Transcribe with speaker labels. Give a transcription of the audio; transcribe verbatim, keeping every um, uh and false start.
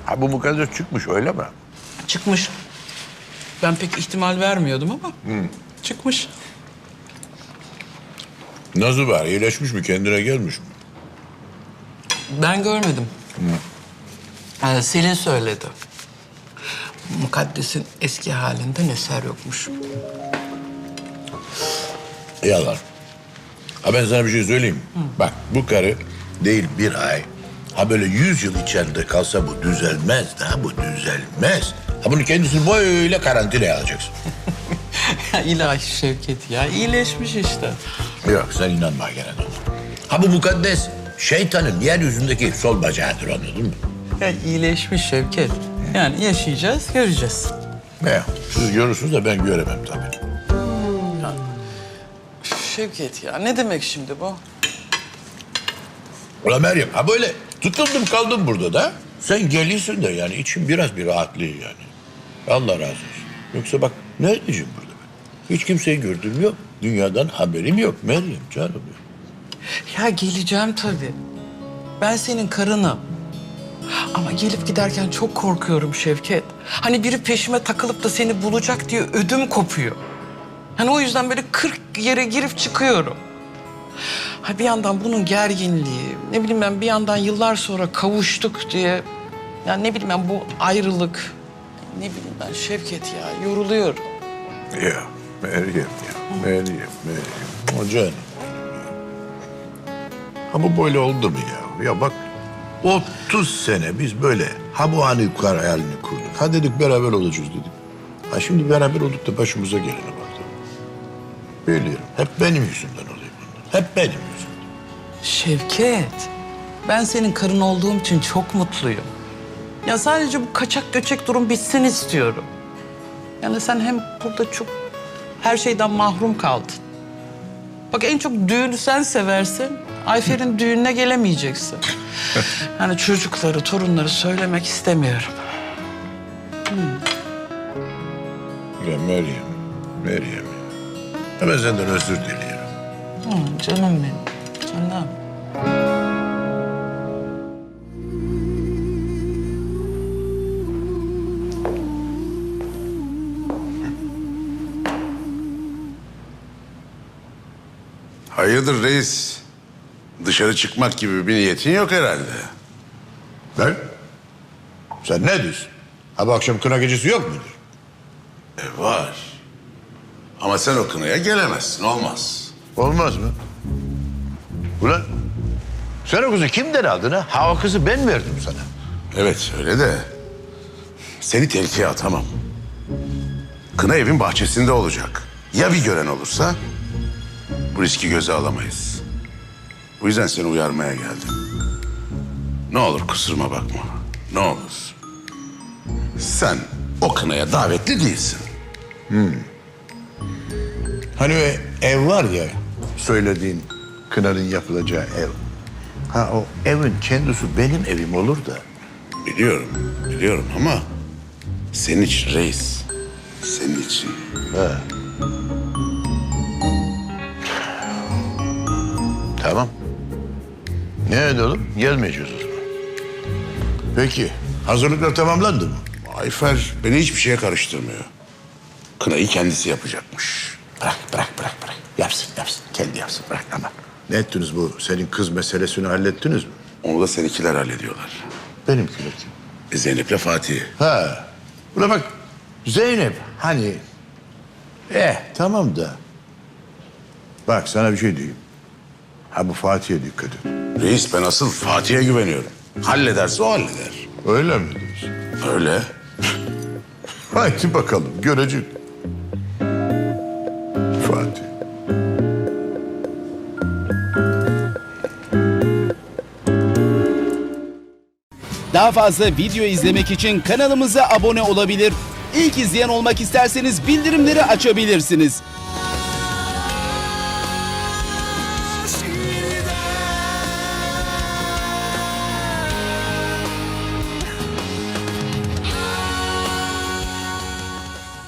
Speaker 1: Ha bu mukaddes çıkmış öyle mi?
Speaker 2: Çıkmış. Ben pek ihtimal vermiyordum ama çıkmış.
Speaker 1: Nasıl var? İyileşmiş mi? Kendine gelmiş mi?
Speaker 2: Ben görmedim. Ee, Selin söyledi. Mukaddes'in eski halinden eser yokmuş.
Speaker 1: Yalan. Ha ben sana bir şey söyleyeyim mi? Bak bu karı değil bir ay. Ha böyle yüz yıl içeride kalsa bu düzelmez daha bu düzelmez. Ha bunu kendisini böyle karantinaya alacaksın.
Speaker 2: Ya ilahi Şevket ya, iyileşmiş işte.
Speaker 1: Yok sen inanma gene de. Ha bu mukaddes şeytanın yeryüzündeki sol bacağıdır anladın mı?
Speaker 2: Ya iyileşmiş Şevket. Yani yaşayacağız, göreceğiz.
Speaker 1: Ne? Siz görürsünüz de ben göremem tabii.
Speaker 2: Şevket ya, ne demek şimdi bu?
Speaker 1: Ulan Meryem ha böyle tutundum kaldım burada da. Sen geliyorsun da yani için biraz bir rahatlıyor yani. Allah razı olsun. Yoksa bak ne edeceğim burada ben? Hiç kimseyi gördüğüm yok. Dünyadan haberim yok Meryem canım.
Speaker 2: Ya geleceğim tabii. Ben senin karınım. Ama gelip giderken çok korkuyorum Şevket. Hani biri peşime takılıp da seni bulacak diye ödüm kopuyor. Yani o yüzden böyle kırk yere girip çıkıyorum. Ha bir yandan bunun gerginliği, ne bileyim ben bir yandan yıllar sonra kavuştuk diye... Yani ne bileyim ben bu ayrılık, ne bileyim ben Şevket ya yoruluyorum.
Speaker 1: Ya Meryem ya Meryem Meryem. O canım. Ha bu böyle oldu mu ya? Ya bak otuz sene biz böyle ha bu anı yukarı hayalini kurduk. Ha dedik beraber olacağız dedik. Ha şimdi beraber olduk da başımıza gelene bak. Biliyorum. Hep benim yüzümden oluyor bunlar. Hep benim yüzümden.
Speaker 2: Şevket, ben senin karın olduğum için çok mutluyum. Ya sadece bu kaçak göçek durum bitsin istiyorum. Yani sen hem burada çok her şeyden mahrum kaldın. Bak en çok düğünü sen seversin. Ayfer'in düğününe gelemeyeceksin. Yani çocukları, torunları söylemek istemiyorum.
Speaker 1: Ya Meryem, Meryem. Ya ben senden özür diliyorum.
Speaker 2: Hı, canım benim, canım.
Speaker 3: Hayırdır reis? Dışarı çıkmak gibi bir niyetin yok herhalde.
Speaker 1: Ben? Sen ne diyorsun? Ha bu akşam kına gecesi yok mudur?
Speaker 3: E var. Ama sen o kınaya gelemezsin, olmaz.
Speaker 1: Olmaz mı? Ulan sen o kızı kimden aldın ha? Ha o kızı ben verdim sana.
Speaker 3: Evet öyle de seni tehlikeye atamam. Kına evin bahçesinde olacak. Ya bir gören olursa bu riski göze alamayız. Bu yüzden seni uyarmaya geldim. Ne olur kusuruma bakma. Ne olur. Sen o kınaya davetli değilsin.
Speaker 1: Hani o ev var ya söylediğin kınanın yapılacağı ev. Ha o evin kendisi benim evim olur da.
Speaker 3: Biliyorum, biliyorum ama senin için reis. Senin için.
Speaker 1: Ha. Tamam. Ne edelim? Gelmeyeceğiz o zaman. Peki hazırlıklar tamamlandı mı?
Speaker 3: Ayfer beni hiçbir şeye karıştırmıyor. Kınayı kendisi yapacakmış.
Speaker 1: Bırak, bırak, bırak, bırak. Yapsın, yapsın. Kendi yapsın, bırak ama. Ne ettiniz bu? Senin kız meselesini hallettiniz mi?
Speaker 3: Onu da seninkiler hallediyorlar.
Speaker 1: Benimkiler kim?
Speaker 3: E, Zeynep'le Fatih.
Speaker 1: Ha. Buna bak. Zeynep hani... Eh tamam da. Bak sana bir şey diyeyim. Ha bu Fatih'e dikkat et.
Speaker 3: Reis ben asıl Fatih'e güveniyorum. Hallederse o halleder.
Speaker 1: Öyle mi diyorsun?
Speaker 3: Öyle.
Speaker 1: Haydi bakalım görecek. Fatih.
Speaker 4: Daha fazla video izlemek için kanalımıza abone olabilir. İlk izleyen olmak isterseniz bildirimleri açabilirsiniz.